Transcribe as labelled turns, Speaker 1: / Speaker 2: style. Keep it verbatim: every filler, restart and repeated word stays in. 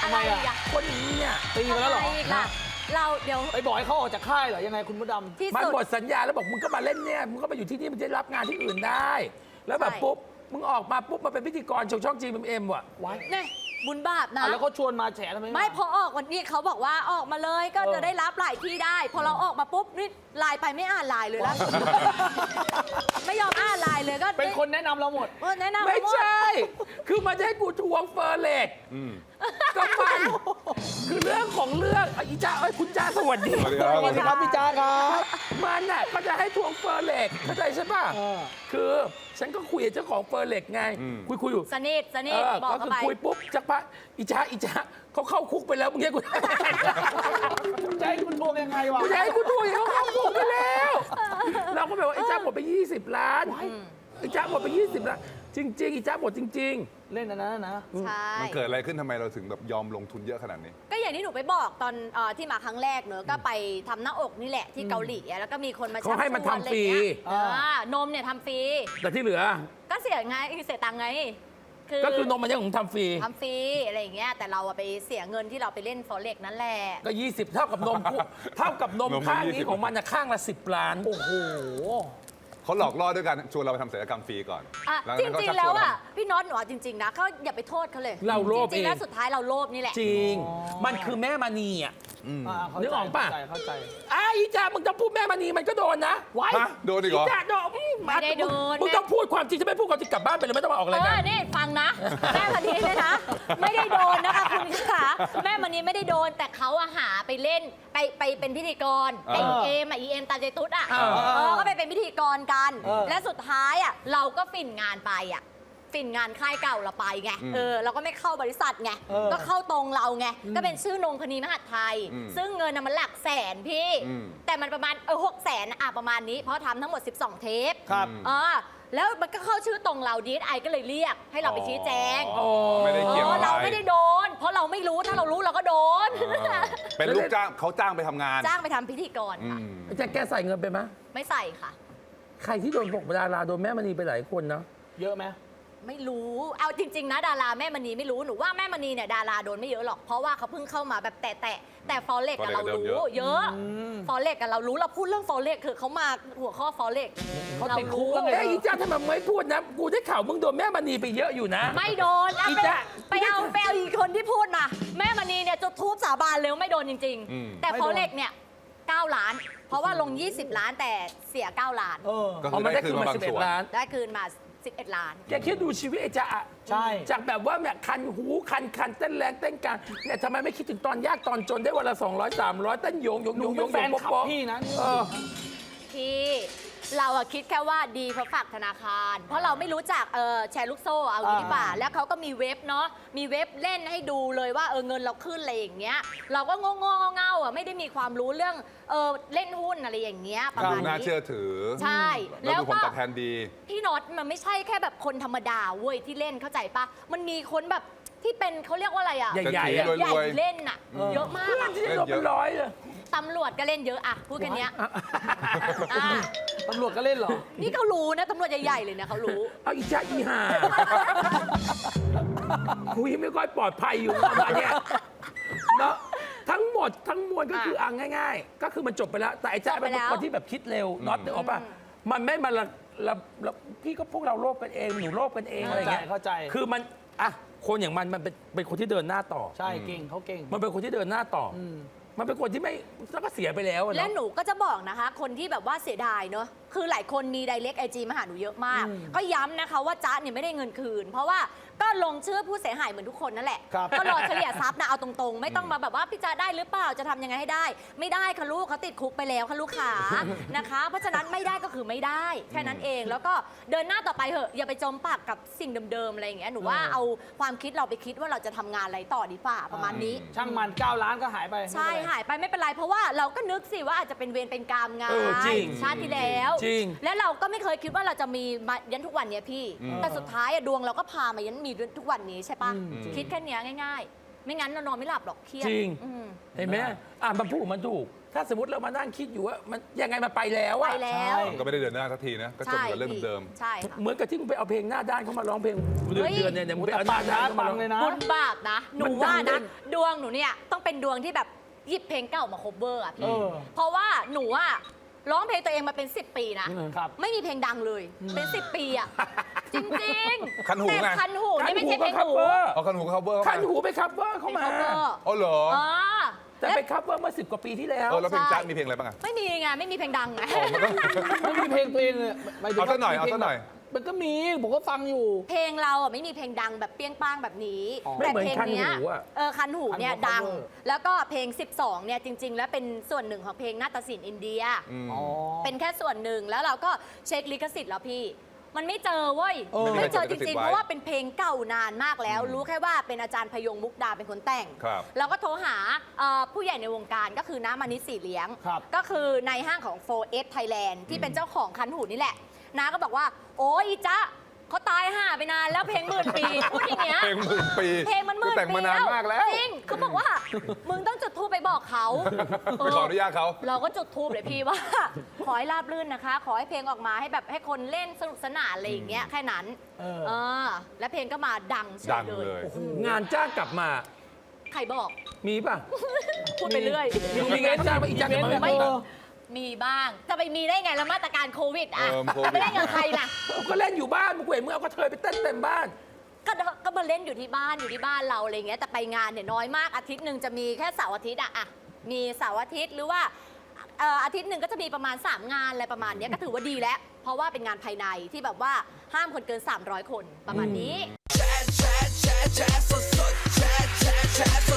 Speaker 1: อะไรอะ
Speaker 2: คนนี้เนี่ย
Speaker 1: ตีกันแล้วเหรอ
Speaker 3: อะไรอีกล่ะเราเดี๋ยว
Speaker 1: ไปบอกให้เขาออกจากค่ายเหรอยังไงคุณมดดำ
Speaker 3: ที่
Speaker 2: มัน
Speaker 3: สุด
Speaker 2: หมดสัญญาแล้วบอกมึงก็มาเล่นเนี่ยมึงก็มาอยู่ที่นี่มึงจะรับงานที่อื่นได้ แล้วแบบ
Speaker 3: ใช่
Speaker 2: ปุ๊บมึงออกมาปุ๊บมาเป็นพิธีกรช่องช่องจีเอ็มว่ะ
Speaker 1: ไว้
Speaker 3: เนี่ยบุญบาปนะ
Speaker 1: อ่ะแล้วเขาชวนมาแฉทำไม
Speaker 3: ไม่พอออกวันนี้เขาบอกว่าออกมาเลยก็
Speaker 1: เออ
Speaker 3: จะได้รับหลายที่ได้ พอเราออกมาปุ๊บนี่ไลน์ไปไม่อ่านไลน์เลยนะไม่ยอมอ่านไลน์เลยก็
Speaker 1: เป็นคนแนะนำเราหมด
Speaker 3: เออแนะนำ
Speaker 2: ไม่
Speaker 3: หด
Speaker 2: ใช่ คือมันจะให้กูทวงเฟอร์เล็กก็มันคือเรื่องของเรื่องอ่ะอีจ้าเอ้ยคุณจ้าสวัสดี
Speaker 4: สวัสดีครับ
Speaker 1: สวัสดีครับพี่จ้าครับ
Speaker 2: มันน่ะก็จะให้ทวงเฟอร์เล็กเข้าใจใช่ป่ะ
Speaker 1: เออ
Speaker 2: คือฉันก็คุยกับเจ้าของเฟอร์เล็กไง
Speaker 4: อืม
Speaker 2: คุยคุยอยู่
Speaker 3: สนิทสนิ
Speaker 2: เอ
Speaker 3: ท
Speaker 2: อ
Speaker 3: บอก
Speaker 2: ก็
Speaker 3: เขา
Speaker 2: คือ
Speaker 3: ไป
Speaker 2: คุยปุ๊บจักปะอีจ้าอีจ้าเขาเข้าคุกไปแล้วมึงเรียกกู
Speaker 1: ใจคุณทวงยังไงวะ
Speaker 2: กูจะให้กูทวงเขาเข้าคุกไปแล้ว เราก็แบบว่าไอ้จ้าหมดไปยี่สิบล้านไอ้จ้าหมดไปยี่สิบล้านจริงๆอีจ้าหมดจริง
Speaker 1: เล่นอันนั้นนะ
Speaker 3: ใช่
Speaker 4: มันเกิดอะไรขึ้นทำไมเราถึงแบบยอมลงทุนเยอะขนาดนี้
Speaker 3: ก็อย่างที่หนูไปบอกตอนเอ่อที่มาครั้งแรกเนอะก็ไปทำหน้าอกนี่แหละที่เกาหลีอะแล้วก็มีคนมา
Speaker 2: เขาให้มันทำฟรี
Speaker 3: ชักชวนอะไรอย่างเงี้ยอ่านมเนี่ยทำฟรี
Speaker 2: ๆ แต่ที่เหลือ
Speaker 3: ก็เสียไงเสียตังค์ไง
Speaker 2: ก็คือนมมันยังของทำฟรี
Speaker 3: ทำฟรีอะไรอย่างเงี้ยแต่เราอะไปเสียเงินที่เราไปเล่นฟอเร็กนั่นแหละ
Speaker 2: ก็ ยี่สิบ เท่ากับนมกูเท่ากับนม
Speaker 4: นมมัน
Speaker 2: ข้าง
Speaker 4: ยี่
Speaker 2: นี้
Speaker 4: สิบ
Speaker 2: ของมันนะข้างละสิบล้าน
Speaker 1: โอ้โห
Speaker 4: เขาหลอกล่อด้วยกันชวนเราไปทำศัลยกรรมฟรีก่อน
Speaker 3: อ่ะ
Speaker 4: หลั
Speaker 3: จ
Speaker 4: จากนั้น
Speaker 3: ริง
Speaker 4: เขา
Speaker 3: ๆ แล้ว
Speaker 4: ชักชน
Speaker 3: อ่ะพี่น็อตหนูเอาจริง ๆ นะเขาอย่าไปโทษเขาเลย
Speaker 2: เราโลภ
Speaker 3: จริงๆ
Speaker 2: เอง
Speaker 3: แล้วสุดท้ายเราโลภนี่แหละ
Speaker 2: จริง
Speaker 1: อ๋อ
Speaker 2: มันคือแม่มณีอ่ะ
Speaker 1: อ่าเข้า
Speaker 2: นึกออกปะ
Speaker 1: เข้าใจเข้าใจ
Speaker 2: ไอ้อีจ้ามึงต้องพูดแม่มณีมันก็โดนนะ
Speaker 1: ไว้
Speaker 4: ฮะโดนอีกเหรอ
Speaker 2: จ้าโดนอืม
Speaker 3: ไม่ได้โดน
Speaker 2: มึงต้องพูดความจริงจะไม่พูดความจริงกลับบ้านไปเลยไม่ต้องมาออก
Speaker 3: เอ
Speaker 2: รายการ
Speaker 3: อนี่ฟังนะ แม่มณีเนี่ยนะ ไม่ได้โดนนะคะคุณขาแม่มณีไม่ได้โดน แต่เขาอะหาไปเล่นไปไปเป็นพิธีกร
Speaker 4: เออ
Speaker 3: ไอเอ็มอะอีเอ็มตาเจตุ๊ดอะ
Speaker 2: เออ
Speaker 3: เออก็ไปเป็นพิธีกรกัน
Speaker 1: เออ
Speaker 3: และสุดท้ายอะเราก็ฝิ่นงานไปอะฝิ่นงานค่ายเก่าเราไปไง
Speaker 4: อืม
Speaker 3: เออเราก็ไม่เข้าบริษัทไง
Speaker 1: เออ
Speaker 3: ก็เข้าตรงเราไงก็เป็นชื่อนงพนีมหาดไทย
Speaker 4: อืม
Speaker 3: ซึ่งเงินน่ะมันหลักแสนพี่
Speaker 4: อืม
Speaker 3: แต่มันประมาณเออหกแสนอะประมาณนี้เพราะทำทั้งหมดสิบสองเทป
Speaker 1: ครับ
Speaker 3: เออแล้วมันก็เข้าชื่อตรงเราดีไอก็เลยเรียกให้เราไปชี้แจง
Speaker 4: อ๋อไม่ได้เกี่ยว
Speaker 3: เออ
Speaker 4: อะไร
Speaker 3: เราไม่ได้โดน เพราะเราไม่รู้ถ้าเรารู้เราก็โดน
Speaker 4: อ่าเป็นลูกจ้างเขาจ้างไปทำงาน
Speaker 3: จ้างไปทำพิธีกร
Speaker 4: อื
Speaker 3: ค่ะ
Speaker 4: ม
Speaker 2: ไอ้จ้าแกใส่เงินไปไหม
Speaker 3: ไม่ใส่ค่ะ
Speaker 2: ใครที่โดนบอกดาราโดนแม่มณีไปหลายคนเนาะ
Speaker 1: เยอะไหม
Speaker 3: ไม่รู้ เอาจริง ๆ นะดาราแม่มณีไม่รู้หนูว่าแม่มณีเนี่ยดาราโดนไม่เยอะหรอก เพราะว่าเขาเพิ่งเข้ามาแบบแตะแต่แต่ฟอเร็กกับเรารู้เยอะฟอเร็กกับเรารู้เราพูดเรื่องฟอเร็กคือเขามาหัวข้อฟอเร็ก
Speaker 1: เขาติดคุกแล้วไง
Speaker 2: เอ้ยอีจ้าทำไมไม่พูดนะ กูได้ข่าวมึงโดนแม่มณีไปเยอะอยู่นะ
Speaker 3: ไม่โดนอ่ะ
Speaker 2: อี
Speaker 3: ไป
Speaker 2: จ๊ะ
Speaker 3: ไปเอาไปเอาอีกคนที่พูดมา แม่มณีเนี่ยจุดทูบสาบานเลยว่าไม่โดนจริง
Speaker 4: อืม
Speaker 3: ๆ แต่ฟอเร็กเนี่ยเก้าล้าน เพราะว่าลง ยี่สิบ ล้านแต่เสีย เก้า ล้าน
Speaker 1: เออ
Speaker 4: ก็
Speaker 2: อ๋อ
Speaker 4: คือ
Speaker 2: มัน
Speaker 4: ได้
Speaker 2: ได้
Speaker 4: คื
Speaker 2: คื
Speaker 4: น
Speaker 2: น
Speaker 4: มา
Speaker 2: มา
Speaker 4: บาง
Speaker 2: สิบเอ็
Speaker 4: ส่
Speaker 2: ด
Speaker 4: วน
Speaker 2: ล้าน
Speaker 3: ได้คืนมา สิบเอ็ด ล้าน
Speaker 2: แกคิดดูชีวิตไอ้จ๊ะอะ
Speaker 1: ใช่
Speaker 2: จากแบบว่าแบบคันหูคันคันเต้นแรงเต้นกลางเนี่ยทำไมไม่คิดถึงตอนยากตอนจนได้วันละสองร้อยสามร้อยเต้นโยงโยง
Speaker 1: ห
Speaker 2: โย
Speaker 1: นู
Speaker 2: งโย
Speaker 1: เป็น
Speaker 2: ง
Speaker 1: แฟนคลับ
Speaker 2: โป๊ะ
Speaker 1: พี่นะ
Speaker 2: เออ
Speaker 3: ที่เราอะคิดแค่ว่าดีเพราะฝากธนาคาร เพราะเราไม่รู้จักเออแชร์ลูกโซ่เอาอย่างนี้ดีกว่า
Speaker 1: อ่า
Speaker 3: แล้วเขาก็มีเว็บเนาะมีเว็บเล่นให้ดูเลยว่าเออเงินเราขึ้นอะไรอย่างเงี้ย เราก็โง่ๆเง่าๆอ่ะไม่ได้มีความรู้เรื่องเออเล่นหุ้นอะไรอย่างเงี้ยประ
Speaker 4: ดู
Speaker 3: มาณ
Speaker 4: น่า
Speaker 3: นี้
Speaker 4: เชื่อถือ
Speaker 3: ใช่
Speaker 4: แล้วดูผล
Speaker 3: ก็
Speaker 4: ตอบแทนดี
Speaker 3: พี่น็อตมันไม่ใช่แค่แบบคนธรรมดาเว้ยที่เล่นเข้าใจปะมันมีคนแบบที่เป็นเขาเรียกว่าอะไรอะ
Speaker 2: ใหญ่ๆอะ
Speaker 4: รวยๆ
Speaker 3: ใหญ่เล่นอะเยอะมาก
Speaker 2: เพื่อน
Speaker 3: อะ
Speaker 2: ที่โดนเป็นร้อยเลย
Speaker 3: ตำรวจก็เล่นเยอะอะพูดกันเนี้ยอ่ะ
Speaker 1: ตำรวจก็เล่นเหรอ
Speaker 3: นี่เขารู้นะตำรวจใหญ่ๆเลยนะเขารู้
Speaker 2: เอาอีจ้าอีห่าคุยไม่ค่อยปลอดภัยอยู่ประมาณเนี้ยเนาะทั้งหมดทั้งมวลก็คืออ่ะง่าย ๆ ก็คือมันจบไปแล้ว แต่ไอ้จ้า
Speaker 3: จบไป
Speaker 2: เป็น
Speaker 3: แล้ว
Speaker 2: คนที่แบบคิดเร็วน็อตนึกออกป่ะมันไม่มาละละละพี่ก็พวกเราโลภกันเองหนูโลภกันเองอะไรเงี้ย
Speaker 1: เข้าใจ
Speaker 2: คือมันอ่ะคนอย่างมันมันเป็นเป็นคนที่เดินหน้าต่อ
Speaker 1: ใช่เก่งเขาเก่ง
Speaker 2: มันเป็นคนที่เดินหน้าต่ออ
Speaker 1: ม
Speaker 2: มันเป็นคนที่ไม่แล้วก็เสียไปแล้วอะ
Speaker 3: และ
Speaker 2: เนาะ
Speaker 3: หนูก็จะบอกนะคะ คนที่แบบว่าเสียดายเนอะคือหลายคนมี direct ไอจีมาหาหนูเยอะมาก
Speaker 1: อืม
Speaker 3: ก็ย้ำนะคะว่าจ๊ะเนี่ยไม่ได้เงินคืน เพราะว่าก็ลงชื่อผู้เสียหายเหมือนทุกคนนั่นแหละ
Speaker 1: ครับ
Speaker 3: ก็รอเฉลี่ยทรัพย์นะเอาตรงๆ ไม่ต้องมาแบบว่าพี่จ๊ะได้หรือเปล่าจะทำยังไงให้ได้ ไม่ได้ค่ะลูกเขาติดคุกไปแล้วค่ะลูกขานะคะ เพราะฉะนั้นไม่ได้ก็คือไม่ได้แค่นั้นเองแล้วก็เดินหน้าต่อไปเถอะอย่าไปจมปากกับสิ่งเดิมๆอะไรอย่างเงี้ยหนูว่าเอาความคิดเราไปคิดว่าเราจะทำงานอะไรต่อดีกว่าประมาณนี้
Speaker 1: ช่างมันเก้าล้านก็หายไป
Speaker 3: ใช่
Speaker 1: ไม่เป็นไร
Speaker 3: หายไปไม่เป็นไร เพราะว่าเราก็นึกสิว่าอาจจะเป็นเวรเป็นกรรมไง
Speaker 2: เออจริง
Speaker 3: ชาติที่แล้ว
Speaker 2: จริง
Speaker 3: และเราก็ไม่เคยคิดว่าเราจะมีมายันทุกวันเนี้ยพี่
Speaker 4: อืม
Speaker 3: แต่สุดท้ายอะดวงเราก็พามายันมีทุกวันนี้ใช่ปะ
Speaker 1: อืม
Speaker 3: คิดแค่เนี้ยง่ายไม่งั้นเรานอนไม่หลับหรอกเครียด
Speaker 2: จริง
Speaker 3: อืม
Speaker 2: เห็นไหมอ่ะมันพูดมันถูก ถ้าสมมติเรามานั่งคิดอยู่ว่ามันยังไงมันไปแล้ว
Speaker 3: ไป
Speaker 2: อะ
Speaker 3: แล้ว
Speaker 4: มันก็ไม่ได้เดินหน้าสักทีนะ ก็จมกับเรื่องเดิม
Speaker 3: ใช่ค่ะ
Speaker 2: เหมือนกับที่มึงไปเอาเพลงหน้าด้านเขามาร้องเพลงเดือน
Speaker 3: เฮ้ย
Speaker 2: เดือนเนี่ยเนี่ยมึงไป
Speaker 1: แต่
Speaker 2: เอาห
Speaker 1: ปา
Speaker 2: น้าก ด้าน
Speaker 1: นะ
Speaker 2: เขา
Speaker 1: ปั
Speaker 2: มาง ร้อง
Speaker 1: เลยนะ
Speaker 3: บุญบาปนะ หนู
Speaker 2: มันดัง
Speaker 3: ว่า
Speaker 2: ด้ว
Speaker 3: นะ
Speaker 2: ย
Speaker 3: ดวงหนูเนี่ยต้องเป็นดวงที่แบบหยิบเพลงเก่ามา cover อ่ะ
Speaker 1: เอ
Speaker 3: พี่
Speaker 1: อ
Speaker 3: เพราะว่าหนูอะร้องเพลงตัวเองมาเป็น สิบ ปีนะ
Speaker 1: ครับ
Speaker 3: ไม่มีเพลงดังเลย เป็น สิบ ปีอ่ะ จริงๆ
Speaker 4: คันหูไง
Speaker 3: แต่คันหูนี่ไม่ใช่เพลง
Speaker 2: คัน
Speaker 3: หู
Speaker 2: หูก็
Speaker 4: เอาคันหูเขาเบอร์
Speaker 2: คันหูไปคัฟเวอร์เขา
Speaker 3: เป็น
Speaker 2: มา
Speaker 3: cover
Speaker 4: อ๋อเหรอ
Speaker 3: อ๋อ
Speaker 2: แต่ไปคัฟเวอร์เมื่อสิบกว่าปีที่แล้ว
Speaker 4: เออแล้วเพลง
Speaker 3: ใช่
Speaker 4: จ๊ะมีเพลงอะไรบ้างอะ
Speaker 3: ไม่มีไงไม่มีเพลงดังไง
Speaker 4: อ๋อมันก็
Speaker 1: ไม่มีเพลงตัวเองเลยมยถึง
Speaker 4: เอาสักหน่อย
Speaker 1: ว่
Speaker 4: เอาสักหน่อย
Speaker 1: มันก็มีผมก็ฟังอยู่
Speaker 3: เพลงเราอ่ะไม่มีเพลงดังแบบเปี้ยงป้างแบบนี้
Speaker 1: อ๋อ
Speaker 3: แต่
Speaker 2: ไม่เหมือน
Speaker 3: เพลงเนี้ย
Speaker 2: คันหูอะ
Speaker 3: เออคันหูเนี่ย
Speaker 1: คันหู
Speaker 3: ดัง
Speaker 1: cover
Speaker 3: แล้วก็เพลง สิบสองเนี่ยจริง ๆ แล้วเป็นส่วนหนึ่งของเพลงนาฏศิลป์อินเดีย
Speaker 4: อืม
Speaker 1: อ๋อ
Speaker 3: เป็นแค่ส่วนหนึ่งแล้วเราก็เช็คลิขสิทธิ์แล้วพี่ มันไม่เจอเว้ย
Speaker 1: เออ
Speaker 3: ไม่เจอจ
Speaker 4: ไม่มีใครจดลิขสิทธิ์
Speaker 3: ริงๆ
Speaker 4: ไว้
Speaker 3: เพราะว่าเป็นเพลงเก่านานมากแล้ว รู้แค่ว่าเป็นอาจารย์พยงมุกดาเป็นคนแต่ง
Speaker 4: ครับ
Speaker 3: เราก็โทรหาเอ่อผู้ใหญ่ในวงการก็คือน้ามานิดสีเลี้ยง
Speaker 1: ครับ
Speaker 3: ก็คือในห้างของ โฟร์เอส Thailand ที่เป็นเจ้าของคันหูนี่แหละน้าก็บอกว่า โอ้ยอีจ๊ะเขาตายห่าไปนานแล้วเพลงหมื่นปีพูดอย่างเงี้ย
Speaker 4: เพลงหมื่นปี
Speaker 3: เพลงมันหมื่น
Speaker 4: แต่ง
Speaker 3: ปี
Speaker 4: มานานมากแล้ว
Speaker 3: จริงเขาบอกว่า มึงต้องจุดธูปไปบอกเขา
Speaker 4: ไปขออนุญาตเขา
Speaker 3: เราก็จุดธูปเลยพี่ว่า ขอให้ราบรื่นนะคะ ขอให้เพลงออกมาให้แบบให้คนเล่นสนุกสนานอะไรอย่างเงี้ยแค่นั้น
Speaker 1: เออ
Speaker 3: เออ และเพลงก็มาดังเฉ
Speaker 4: ดั
Speaker 3: ย
Speaker 4: ง
Speaker 3: เล
Speaker 4: เลย
Speaker 3: ย
Speaker 2: งานจ้างกลับมา
Speaker 3: ใครบอก
Speaker 2: มีป่ะ
Speaker 3: พูดไปเรื่อย
Speaker 2: มึงมีงานจ้างป่ะอีจ้างกลับมา
Speaker 1: ไม่
Speaker 2: ไม่
Speaker 1: เออ
Speaker 3: มีบ้าง จะไปมีได้ไงแล้วมาตรการโควิดอ่ะ
Speaker 4: เออโควิด
Speaker 3: ไม่ได้กับใครนะ
Speaker 2: ก็เล่นอยู่บ้านมึงเห็นมึงเอากระเทยไปเต้นเต็มบ้าน
Speaker 3: ก็ก็มาเล่นอยู่ที่บ้านอยู่ที่บ้านเราอะไรเงี้ยแต่ไปงานเนี่ยน้อยมากอาทิตย์หนึ่งจะมีแค่เสาร์อาทิตย์อะอะมีเสาร์อาทิตย์หรือว่าเอ่ออาทิตย์หนึ่งก็จะมีประมาณ สาม งานอะไรประมาณเนี้ยก็ถือว่าดีแล้ว เพราะว่าเป็นงานภายในที่แบบว่าห้ามคนเกิน สามร้อย คนประมาณนี้
Speaker 5: แชร์แชร์แชร์แชร์สดสดแชร์แชร์แชร์